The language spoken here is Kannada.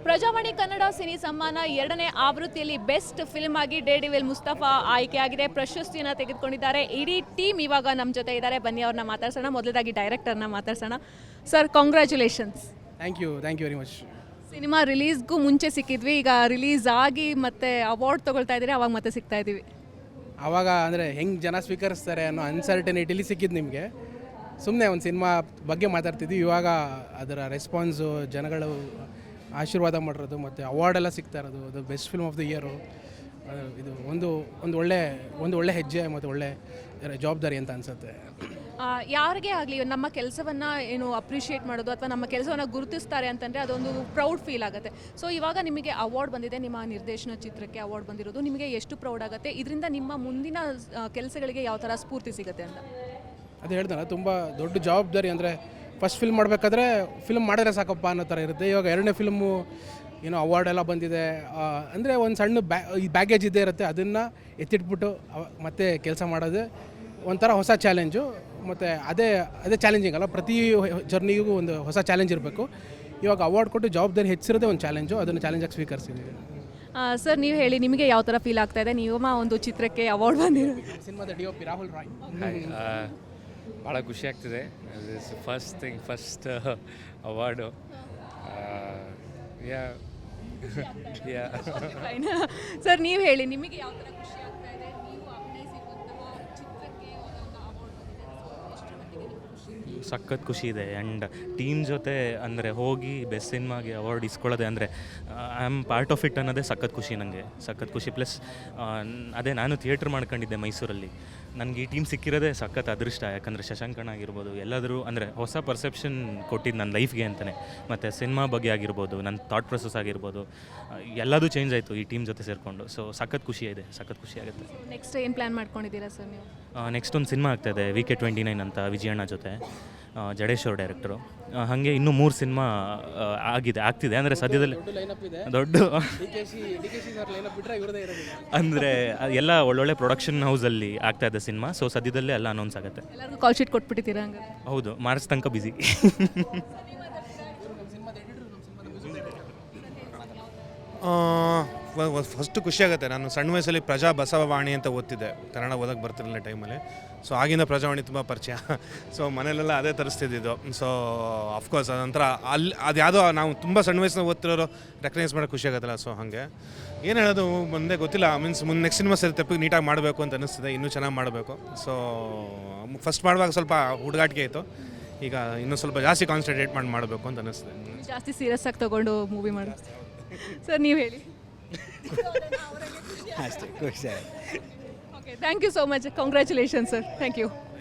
ಪ್ರಜಾವಾಣಿ ಕನ್ನಡ ಸಿನಿ ಸಮ್ಮಾನ 2ನೇ ಆವೃತ್ತಿಯಲ್ಲಿ ಬೆಸ್ಟ್ ಫಿಲ್ಮ್ ಆಗಿ ಡೇರ್ಡೆವಿಲ್ ಮುಸ್ತಫಾ ಆಯ್ಕೆಯಾಗಿದೆ. ಪ್ರಶಸ್ತಿಯನ್ನು ತೆಗೆದುಕೊಂಡಿದ್ದಾರೆ. ಇಡೀ ಟೀಮ್ ಇವಾಗ ನಮ್ಮ ಜೊತೆ ಇದ್ದಾರೆ. ಬನ್ನಿ ಅವ್ರನ್ನ ಮಾತಾಡ್ಸೋಣ. ಮೊದಲದಾಗಿ ಡೈರೆಕ್ಟರ್ನ ಮಾತಾಡ್ಸೋಣ. Sir, congratulations. Thank you very much. Cinema ರಿಲೀಸ್ಗೂ ಮುಂಚೆ ಸಿಕ್ಕಿದ್ವಿ, ಈಗ ರಿಲೀಸ್ ಆಗಿ ಮತ್ತೆ ಅವಾರ್ಡ್ ತೊಗೊಳ್ತಾ ಇದ್ದೀರಿ, ಅವಾಗ ಮತ್ತೆ ಸಿಗ್ತಾ ಇದ್ದೀವಿ. ಆವಾಗ ಅಂದರೆ ಹೆಂಗೆ ಜನ ಸ್ವೀಕರಿಸ್ತಾರೆ ಅನ್ನೋ ಅನ್ಸರ್ಟನಿಟಿಲಿ ಸಿಕ್ಕಿದ್ದು ನಿಮಗೆ. ಸುಮ್ಮನೆ ಒಂದು ಸಿನಿಮಾ ಬಗ್ಗೆ ಮಾತಾಡ್ತಿದ್ವಿ. ಇವಾಗ ಅದರ ರೆಸ್ಪಾನ್ಸು, ಜನಗಳು ಆಶೀರ್ವಾದ ಮಾಡಿರೋದು ಮತ್ತು ಅವಾರ್ಡೆಲ್ಲ ಸಿಗ್ತಾ ಇರೋದು, ಅದು best film of the year, ಇದು ಒಂದು ಒಳ್ಳೆ ಹೆಜ್ಜೆ ಮತ್ತು ಒಳ್ಳೆ ಜವಾಬ್ದಾರಿ ಅಂತ ಅನಿಸುತ್ತೆ. ಯಾರಿಗೇ ಆಗಲಿ ನಮ್ಮ ಕೆಲಸವನ್ನು ಏನು ಅಪ್ರಿಷಿಯೇಟ್ ಮಾಡೋದು ಅಥವಾ ನಮ್ಮ ಕೆಲಸವನ್ನು ಗುರುತಿಸ್ತಾರೆ ಅಂತಂದರೆ ಅದೊಂದು ಪ್ರೌಡ್ ಫೀಲ್ ಆಗುತ್ತೆ. ಸೊ ಇವಾಗ ನಿಮಗೆ ಅವಾರ್ಡ್ ಬಂದಿದೆ, ನಿಮ್ಮ ನಿರ್ದೇಶನ ಚಿತ್ರಕ್ಕೆ ಅವಾರ್ಡ್ ಬಂದಿರೋದು, ನಿಮಗೆ ಎಷ್ಟು ಪ್ರೌಡ್ ಆಗುತ್ತೆ? ಇದರಿಂದ ನಿಮ್ಮ ಮುಂದಿನ ಕೆಲಸಗಳಿಗೆ ಯಾವ ಥರ ಸ್ಫೂರ್ತಿ ಸಿಗುತ್ತೆ ಅಂತ? ಅದು ಹೇಳ್ತಾನೆ, ತುಂಬ ದೊಡ್ಡ ಜವಾಬ್ದಾರಿ. ಅಂದರೆ ಫಸ್ಟ್ ಫಿಲ್ಮ್ ಮಾಡಬೇಕಾದ್ರೆ ಫಿಲ್ಮ್ ಮಾಡಿದ್ರೆ ಸಾಕಪ್ಪ ಅನ್ನೋ ಥರ ಇರುತ್ತೆ. ಇವಾಗ 2ನೇ ಫಿಲ್ಮು ಏನೋ ಅವಾರ್ಡ್ ಎಲ್ಲ ಬಂದಿದೆ ಅಂದರೆ ಒಂದು ಸಣ್ಣ ಬ್ಯಾಗೇಜ್ ಇದ್ದೇ ಇರುತ್ತೆ. ಅದನ್ನು ಎತ್ತಿಟ್ಬಿಟ್ಟು ಮತ್ತೆ ಕೆಲಸ ಮಾಡೋದು ಒಂಥರ ಹೊಸ ಚಾಲೆಂಜು. ಮತ್ತು ಅದೇ ಚಾಲೆಂಜಿಂಗ್ ಅಲ್ಲ, ಪ್ರತಿ ಜರ್ನಿಗೂ ಒಂದು ಹೊಸ ಚಾಲೆಂಜ್ ಇರಬೇಕು. ಇವಾಗ ಅವಾರ್ಡ್ ಕೊಟ್ಟು ಜವಾಬ್ದಾರಿ ಹೆಚ್ಚಿರೋದೇ ಒಂದು ಚಾಲೆಂಜು, ಅದನ್ನು ಚಾಲೆಂಜಾಗಿ ಸ್ವೀಕರಿಸಿದ್ದೀವಿ. ಸರ್, ನೀವು ಹೇಳಿ, ನಿಮಗೆ ಯಾವ ಥರ ಫೀಲ್ ಆಗ್ತಾ ಇದೆ? ನೀವು ಒಂದು ಚಿತ್ರಕ್ಕೆ ಅವಾರ್ಡ್ ಬಂದಿರೋ ಸಿನಿಮಾದ DOP ರಾಹುಲ್ ರಾಯ್. ಭಾಳ ಖುಷಿ ಆಗ್ತಿದೆ. First award. ಸರ್, ನೀವು ಹೇಳಿ, ನಿಮಗೆ ಯಾವ ಥರ ಖುಷಿ ಆಗ್ತಾ ಇದೆ? ನೀವು ಅಭಿನಯಿಸಿರುವಂತಹ ಚಿತ್ರಕ್ಕೆ ಅವಾರ್ಡ್ ಬಂದಿದೆ, ಸಖತ್ ಖುಷಿ ಇದೆ. ಆ್ಯಂಡ್ ಟೀಮ್ ಜೊತೆ ಅಂದರೆ ಹೋಗಿ ಬೆಸ್ಟ್ ಸಿನಿಮಾಗೆ ಅವಾರ್ಡ್ ಇಸ್ಕೊಳ್ಳೋದೆ ಅಂದರೆ I am part of it ಅನ್ನೋದೇ ಸಖತ್ ಖುಷಿ. ನನಗೆ ಸಖತ್ ಖುಷಿ. ಪ್ಲಸ್ ಅದೇ ನಾನು ಥಿಯೇಟ್ರ್ ಮಾಡ್ಕೊಂಡಿದ್ದೆ ಮೈಸೂರಲ್ಲಿ. ನನಗೆ ಈ ಟೀಮ್ ಸಿಕ್ಕಿರೋದೇ ಸಖತ್ ಅದೃಷ್ಟ. ಯಾಕಂದರೆ ಶಶಾಂಕಣ್ಣ ಆಗಿರ್ಬೋದು, ಎಲ್ಲಾದರೂ ಅಂದರೆ ಹೊಸ ಪರ್ಸೆಪ್ಷನ್ ಕೊಟ್ಟಿದ್ದು ನನ್ನ ಲೈಫ್ಗೆ ಅಂತಲೇ. ಮತ್ತು ಸಿನಿಮಾ ಬಗ್ಗೆ ಆಗಿರ್ಬೋದು, ನನ್ನ ಥಾಟ್ ಪ್ರೊಸೆಸ್ ಆಗಿರ್ಬೋದು, ಎಲ್ಲದೂ ಚೇಂಜ್ ಆಯಿತು ಈ ಟೀಮ್ ಜೊತೆ ಸೇರಿಕೊಂಡು. ಸೊ ಸಖತ್ ಖುಷಿ ಇದೆ, ಸಖತ್ ಖುಷಿ ಆಗುತ್ತೆ. ನೆಕ್ಸ್ಟ್ ಏನು ಪ್ಲ್ಯಾನ್ ಮಾಡ್ಕೊಂಡಿದ್ದೀರಾ ಸರ್ ನೀವು? ನೆಕ್ಸ್ಟ್ ಒಂದು ಸಿನಿಮಾ ಆಗ್ತಾಯಿದೆ VK29 ಅಂತ, ವಿಜಯಣ್ಣ ಜೊತೆ, ಜಡೇಶ್ ಅವ್ರ ಡೈರೆಕ್ಟ್ರು. ಹಾಗೆ ಇನ್ನೂ 3 ಸಿನಿಮಾ ಆಗ್ತಿದೆ. ಅಂದರೆ ಸದ್ಯದಲ್ಲಿ ದೊಡ್ಡ ಅಂದರೆ ಎಲ್ಲ ಒಳ್ಳೊಳ್ಳೆ ಪ್ರೊಡಕ್ಷನ್ ಹೌಸಲ್ಲಿ ಆಗ್ತಾಯಿದೆ ಸಿನಿಮಾ. ಸೊ ಸದ್ಯದಲ್ಲೇ ಎಲ್ಲ ಅನೌನ್ಸ್ ಆಗುತ್ತೆ. ಎಲ್ಲರಿಗೂ ಕಾಲ್ ಶೀಟ್ ಕೊಟ್ಬಿಟ್ಟಿದ್ದೀರಾ ಹಂಗೆ? ಹೌದು, ಮಾರ್ಚ್ ತನಕ ಬಿಸಿ. ಫಸ್ಟು ಖುಷಿಯಾಗುತ್ತೆ. ನಾನು ಸಣ್ಣ ವಯಸ್ಸಲ್ಲಿ ಪ್ರಜಾ ಬಸವವಾಣಿ ಅಂತ ಓದ್ತಿದ್ದೆ, ಕನ್ನಡ ಓದಕ್ಕೆ ಬರ್ತಿರಲಿಲ್ಲ ಟೈಮಲ್ಲಿ. ಸೊ ಆಗಿನ ಪ್ರಜಾವಾಣಿ ತುಂಬ ಪರಿಚಯ. ಸೊ ಮನೇಲೆಲ್ಲ ಅದೇ ತರಿಸ್ತಿದ್ದು. ಸೊ ಅಫ್ಕೋರ್ಸ್ ಅದೊಂಥರ ಅದು ಯಾವುದೋ ನಾವು ತುಂಬ ಸಣ್ಣ ವಯಸ್ಸಿನ ಓದ್ತಿರೋರು ರೆಕಗ್ನೈಸ್ ಮಾಡೋಕ್ಕೆ ಖುಷಿಯಾಗುತ್ತಲ್ಲ. ಸೊ ಹಾಗೆ ಏನು ಹೇಳೋದು ಮುಂದೆ ಗೊತ್ತಿಲ್ಲ. ಮುಂದೆ ನೆಕ್ಸ್ಟ್ ಸಿನಿಮಾ ಸರಿ ತಪ್ಪಿಗೆ ನೀಟಾಗಿ ಮಾಡಬೇಕು ಅಂತ ಅನ್ನಿಸ್ತಿದೆ, ಇನ್ನೂ ಚೆನ್ನಾಗಿ ಮಾಡಬೇಕು. ಸೊ ಫಸ್ಟ್ ಮಾಡುವಾಗ ಸ್ವಲ್ಪ ಹುಡುಗಾಟಿಕೆ ಆಯಿತು, ಈಗ ಇನ್ನೂ ಸ್ವಲ್ಪ ಜಾಸ್ತಿ ಕಾನ್ಸಂಟ್ರೇಟ್ ಮಾಡಬೇಕು ಅಂತ ಅನ್ನಿಸ್ತಿದೆ. ಜಾಸ್ತಿ ಸೀರಿಯಸ್ ಆಗಿ ತೊಗೊಂಡು ಮೂವಿ ಮಾಡಿ. ಸರ್, ನೀವು ಹೇಳಿ. ಅಷ್ಟೇ ಖುಷಿ. Okay, thank you so much. Congratulation sir. Thank you.